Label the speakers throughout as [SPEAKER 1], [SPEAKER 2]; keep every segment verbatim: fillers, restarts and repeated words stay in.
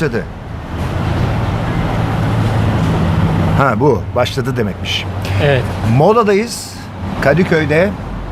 [SPEAKER 1] başladı? Ha bu başladı demekmiş.
[SPEAKER 2] Evet.
[SPEAKER 1] Moda'dayız. Kadıköy'de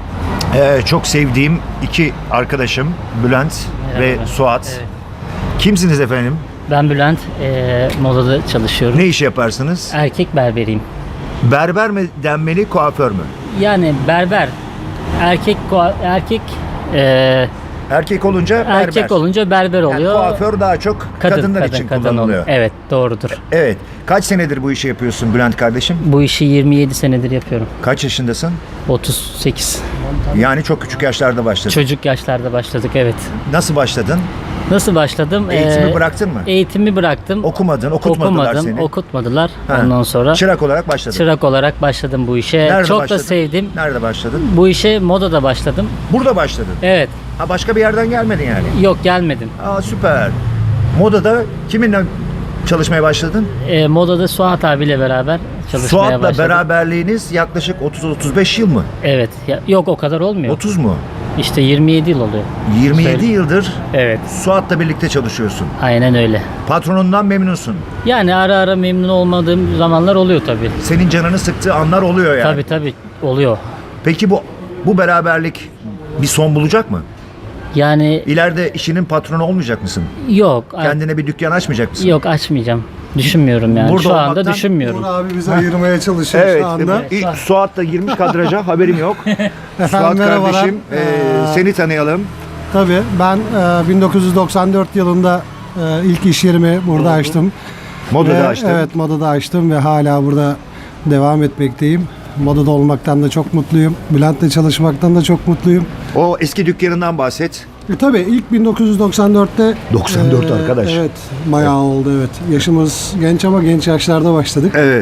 [SPEAKER 1] ee, çok sevdiğim iki arkadaşım Bülent
[SPEAKER 2] Merhaba.
[SPEAKER 1] ve Suat.
[SPEAKER 2] Evet.
[SPEAKER 1] Kimsiniz efendim?
[SPEAKER 2] Ben Bülent, eee, modada çalışıyorum.
[SPEAKER 1] Ne iş yaparsınız?
[SPEAKER 2] Erkek berberiyim.
[SPEAKER 1] Berber mi denmeli, kuaför mü?
[SPEAKER 2] Yani berber, erkek kua- erkek eee,
[SPEAKER 1] Erkek olunca berber.
[SPEAKER 2] erkek olunca berber
[SPEAKER 1] Yani
[SPEAKER 2] oluyor.
[SPEAKER 1] kuaför daha çok
[SPEAKER 2] kadın,
[SPEAKER 1] kadınlar
[SPEAKER 2] kadın,
[SPEAKER 1] için
[SPEAKER 2] kadın
[SPEAKER 1] kullanılıyor.
[SPEAKER 2] oluyor. Evet, doğrudur.
[SPEAKER 1] Evet. Kaç senedir bu işi yapıyorsun Bülent kardeşim?
[SPEAKER 2] Bu işi yirmi yedi senedir yapıyorum.
[SPEAKER 1] Kaç yaşındasın?
[SPEAKER 2] otuz sekiz.
[SPEAKER 1] Yani çok küçük yaşlarda başladın.
[SPEAKER 2] Çocuk yaşlarda başladık, evet.
[SPEAKER 1] Nasıl başladın?
[SPEAKER 2] Nasıl başladım?
[SPEAKER 1] Eğitimi
[SPEAKER 2] Eee,
[SPEAKER 1] bıraktın mı?
[SPEAKER 2] Eğitimi bıraktım.
[SPEAKER 1] Okumadın, okutmadılar
[SPEAKER 2] Okumadım,
[SPEAKER 1] seni.
[SPEAKER 2] okutmadılar.
[SPEAKER 1] Ha.
[SPEAKER 2] Ondan sonra
[SPEAKER 1] Çırak olarak başladın.
[SPEAKER 2] çırak olarak başladım bu işe.
[SPEAKER 1] Nerede
[SPEAKER 2] Çok
[SPEAKER 1] başladın?
[SPEAKER 2] da sevdim.
[SPEAKER 1] Nerede başladın?
[SPEAKER 2] Bu işe modada başladım.
[SPEAKER 1] Burada başladın.
[SPEAKER 2] Evet.
[SPEAKER 1] Ha başka bir yerden gelmedin yani.
[SPEAKER 2] Yok, gelmedim.
[SPEAKER 1] Aa süper. Modada kiminle çalışmaya başladın?
[SPEAKER 2] E, modada Suat abiyle beraber çalışmaya
[SPEAKER 1] Suat'la
[SPEAKER 2] başladım.
[SPEAKER 1] beraberliğiniz yaklaşık otuz otuz beş yıl mı?
[SPEAKER 2] Evet. Ya, yok, o kadar olmuyor.
[SPEAKER 1] otuz mu?
[SPEAKER 2] İşte yirmi yedi yıl oluyor.
[SPEAKER 1] yirmi yedi
[SPEAKER 2] Söyle.
[SPEAKER 1] yıldır
[SPEAKER 2] Evet.
[SPEAKER 1] Suat'la birlikte çalışıyorsun.
[SPEAKER 2] Aynen öyle.
[SPEAKER 1] Patronundan memnunsun.
[SPEAKER 2] Yani ara ara memnun olmadığım zamanlar oluyor tabii.
[SPEAKER 1] Senin canını sıktığı anlar oluyor yani.
[SPEAKER 2] Tabii tabii oluyor.
[SPEAKER 1] Peki bu bu beraberlik bir son bulacak mı?
[SPEAKER 2] Yani
[SPEAKER 1] İleride işinin patronu olmayacak mısın?
[SPEAKER 2] yok. a-
[SPEAKER 1] Kendine bir dükkan açmayacak mısın?
[SPEAKER 2] Yok, açmayacağım. Düşünmüyorum yani.
[SPEAKER 1] Burada
[SPEAKER 2] Şu anda
[SPEAKER 1] olmaktan-
[SPEAKER 2] düşünmüyorum.
[SPEAKER 3] Uğur abi bizi ayırmaya çalışıyor
[SPEAKER 1] Evet.
[SPEAKER 3] şu anda.
[SPEAKER 1] İlk Suat da girmiş kadraja, haberim yok. Suat
[SPEAKER 3] merhabalar.
[SPEAKER 1] kardeşim, e,
[SPEAKER 3] Ee,
[SPEAKER 1] seni tanıyalım.
[SPEAKER 3] Tabii ben e, bin dokuz yüz doksan dört yılında e, ilk iş yerimi burada açtım.
[SPEAKER 1] Modada
[SPEAKER 3] Ve,
[SPEAKER 1] açtın.
[SPEAKER 3] Evet, modada açtım ve hala burada devam etmekteyim. Modada olmaktan da çok mutluyum. Bülent'le çalışmaktan da çok mutluyum.
[SPEAKER 1] O eski dükkanından bahset.
[SPEAKER 3] E, tabii ilk bin dokuz yüz doksan dörtte
[SPEAKER 1] doksan dört arkadaş.
[SPEAKER 3] Evet, bayağı oldu, evet. Yaşımız genç ama genç yaşlarda başladık.
[SPEAKER 1] Evet.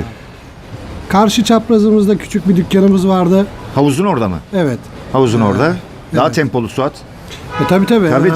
[SPEAKER 3] Karşı çaprazımızda küçük bir dükkanımız vardı.
[SPEAKER 1] Havuzun orada mı?
[SPEAKER 3] Evet.
[SPEAKER 1] Havuzun orada. Daha
[SPEAKER 3] evet.
[SPEAKER 1] tempolu Suat.
[SPEAKER 3] E, tabii tabii.
[SPEAKER 1] Tabii.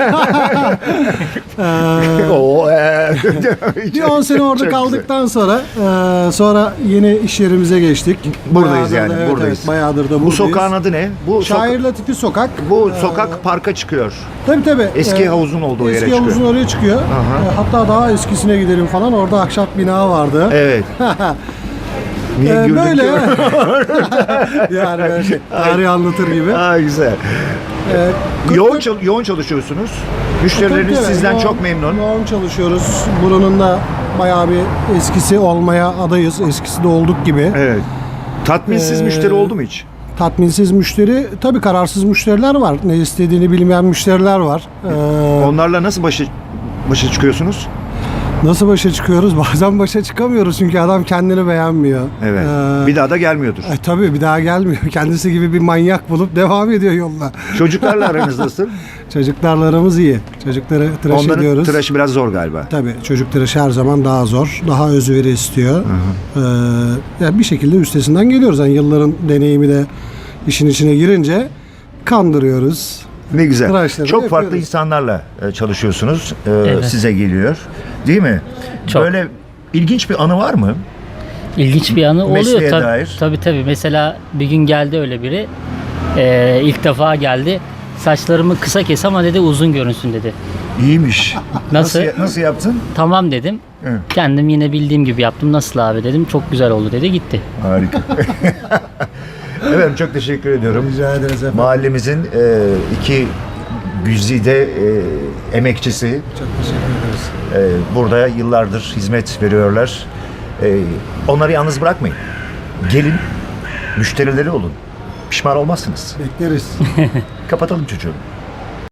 [SPEAKER 3] Ee,
[SPEAKER 1] Oo, e.
[SPEAKER 3] Bir on sene orada
[SPEAKER 1] Çok
[SPEAKER 3] kaldıktan sonra e, sonra yeni iş yerimize geçtik.
[SPEAKER 1] Buradayız
[SPEAKER 3] Bayağıdır
[SPEAKER 1] yani,
[SPEAKER 3] da- evet,
[SPEAKER 1] buradayız.
[SPEAKER 3] Evet, bayağıdır da
[SPEAKER 1] güzel. Bu
[SPEAKER 3] buradayız.
[SPEAKER 1] sokağın adı ne? Bu
[SPEAKER 3] Şair
[SPEAKER 1] soka-
[SPEAKER 3] Latifi Sokak.
[SPEAKER 1] bu sokak parka çıkıyor.
[SPEAKER 3] Tabii tabii.
[SPEAKER 1] Eski havuzun olduğu yere
[SPEAKER 3] Eski
[SPEAKER 1] çıkıyor.
[SPEAKER 3] havuzun oraya çıkıyor.
[SPEAKER 1] Aha.
[SPEAKER 3] E, hatta daha eskisine gidelim falan. Orada ahşap bina vardı.
[SPEAKER 1] Evet. Niye
[SPEAKER 3] E,
[SPEAKER 1] güldün
[SPEAKER 3] böyle.
[SPEAKER 1] ki?
[SPEAKER 3] Yani böyle şey, tarih anlatır gibi.
[SPEAKER 1] Aa, güzel.
[SPEAKER 3] E,
[SPEAKER 1] Yoğun, çal- yoğun çalışıyorsunuz. Müşterileriniz
[SPEAKER 3] Tabii, tabii.
[SPEAKER 1] sizden
[SPEAKER 3] Yoğun-
[SPEAKER 1] çok memnun.
[SPEAKER 3] Yoğun çalışıyoruz. Buranın da bayağı bir eskisi olmaya adayız. Eskisi de olduk gibi.
[SPEAKER 1] Evet. Tatminsiz
[SPEAKER 3] Ee,
[SPEAKER 1] müşteri oldu mu hiç?
[SPEAKER 3] Tatminsiz müşteri, tabii kararsız müşteriler var. Ne istediğini bilmeyen müşteriler var. Ee,
[SPEAKER 1] Onlarla nasıl başa başa çıkıyorsunuz?
[SPEAKER 3] nasıl başa çıkıyoruz? Bazen başa çıkamıyoruz çünkü adam kendini beğenmiyor.
[SPEAKER 1] Evet.
[SPEAKER 3] Ee,
[SPEAKER 1] Bir daha da gelmiyordur.
[SPEAKER 3] e, tabii bir daha gelmiyor. Kendisi gibi bir manyak bulup devam ediyor yoluna.
[SPEAKER 1] Çocuklarla aranız nasıl?
[SPEAKER 3] Çocuklarla aramız iyi. Çocukları tıraş
[SPEAKER 1] Onların
[SPEAKER 3] ediyoruz.
[SPEAKER 1] tıraşı biraz zor galiba.
[SPEAKER 3] Tabii çocuk tıraşı her zaman daha zor. Daha özveri istiyor. Ee, yani bir şekilde üstesinden geliyoruz. Yani yılların deneyimi de işin içine girince kandırıyoruz.
[SPEAKER 1] Ne güzel.
[SPEAKER 3] Tıraşları
[SPEAKER 1] Çok farklı
[SPEAKER 3] yapıyoruz.
[SPEAKER 1] insanlarla e, çalışıyorsunuz. E,
[SPEAKER 2] Evet.
[SPEAKER 1] Size geliyor. Değil mi?
[SPEAKER 2] Çok.
[SPEAKER 1] Böyle ilginç bir anı var mı?
[SPEAKER 2] İlginç bir anı
[SPEAKER 1] Mesleğe
[SPEAKER 2] oluyor tabii.
[SPEAKER 1] dair.
[SPEAKER 2] Tabii tabii. Mesela bir gün geldi öyle biri. Ee, ilk defa geldi. Saçlarımı kısa kes ama dedi uzun görünsün dedi.
[SPEAKER 1] İyiymiş.
[SPEAKER 2] Nasıl?
[SPEAKER 1] Nasıl, nasıl yaptın?
[SPEAKER 2] Tamam dedim.
[SPEAKER 1] Evet.
[SPEAKER 2] Kendim yine bildiğim gibi yaptım. Nasıl abi dedim. Çok güzel oldu dedi, gitti.
[SPEAKER 1] Harika. Efendim çok teşekkür ediyorum.
[SPEAKER 3] Rica ederiz efendim.
[SPEAKER 1] Mahallemizin e, iki güzide e, emekçisi.
[SPEAKER 3] Çok teşekkür ederiz.
[SPEAKER 1] E, burada yıllardır hizmet veriyorlar. E, onları yalnız bırakmayın. Gelin, müşterileri olun. Pişman olmazsınız.
[SPEAKER 3] Bekleriz.
[SPEAKER 1] Kapatalım çocuğu.